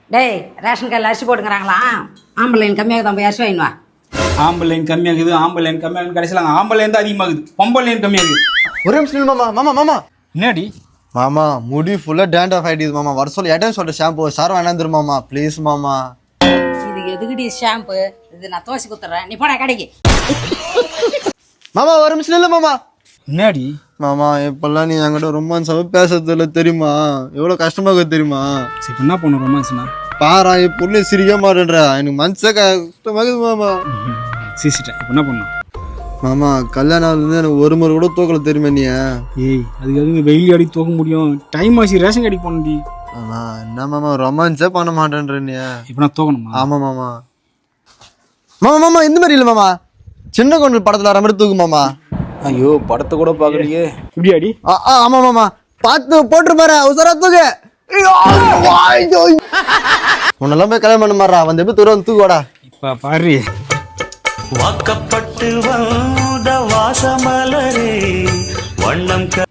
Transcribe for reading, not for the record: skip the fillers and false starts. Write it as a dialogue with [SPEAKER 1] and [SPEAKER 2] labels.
[SPEAKER 1] டேய் ரேஷன் கார்டில் அரிசி போட்டுக்கிறாங்களாம். ஆம்பளைன் கம்மியாக தான் போய் அரிசி வாங்கினு வா.
[SPEAKER 2] ஆம்பளைன் கம்மியாகுது ஆம்பளைன் கம்மியாகுது கடைசியில் ஆம்பளைன் தான் அதிகமாகுது பொம்பளைன் கம்மியாகுது.
[SPEAKER 3] ஒரு நிமிஷம் மாமா மாமா மாமா
[SPEAKER 2] என்னடி
[SPEAKER 3] மாமா முடி ஃபுல்லா டேண்ட் ஆஃப் ஆயிடுது மாமா. வர சொல்லி இடம் சொல்ற ஷாம்பு சார் வேணாந்துரு மாமா ப்ளீஸ் மாமா.
[SPEAKER 1] இது எதுக்குடி ஷாம்பு? இது நான் தோசை குத்துறேன், நீ போடா கடைக்கு.
[SPEAKER 3] மாமா ஒரு நிமிஷம் இல்ல மாமா.
[SPEAKER 2] என்னடி
[SPEAKER 3] மாமா இப்பெல்லாம் நீ என்கிட்ட ரொமான்ஸாவே பேசுறது இல்லை தெரியுமா? எவ்வளவு கஷ்டமா இருக்குது தெரியுமா?
[SPEAKER 2] சரி இப்போ என்ன பண்ணும் ரொமான்ஸ்னா?
[SPEAKER 3] பாரா என் பொண்ணு சிரிக்க மாட்டேன்றா, எனக்கு மனசே கஷ்டமாகுது மாமா.
[SPEAKER 2] சிரிச்சிட்டேன். இப்போ என்ன பண்ணும்?
[SPEAKER 3] மாமா கல்யாணம் ஆகுது எனக்கு ஒரு முறை கூட தூக்கல தெரியுமா நீ?
[SPEAKER 2] ஏய் அதுக்காக வெயில் அடி தூக்க முடியும்? டைம் ஆச்சு ரேஷன் கடைக்கு போகணும்டி.
[SPEAKER 3] மாமா என்ன மாமா ரொமான்ஸே பண்ண மாட்டேன்ற நீ?
[SPEAKER 2] இப்போ நான் தூக்கணுமா?
[SPEAKER 3] ஆமா மாமா. மாமா மாமா இந்த மாதிரி இல்லை மாமா, சின்ன கொண்டு படத்துல வர மாதிரி தூக்கு மாமா.
[SPEAKER 2] ஐயோ படத்தை கூட பார்க்கலையே. இப்படியாடி?
[SPEAKER 3] ஆமா மாமா பார்த்து போட்டு பாரு உசரா தூக்கு. உன்னெல்லாம் போய் கல்யாணம் பண்ண மாறா வந்து எப்படி தூரம் தூக்குவாடா.
[SPEAKER 2] இப்போ பாரு
[SPEAKER 4] வாக்கப்பட்டு வந்த வாசமலரே வண்ணம்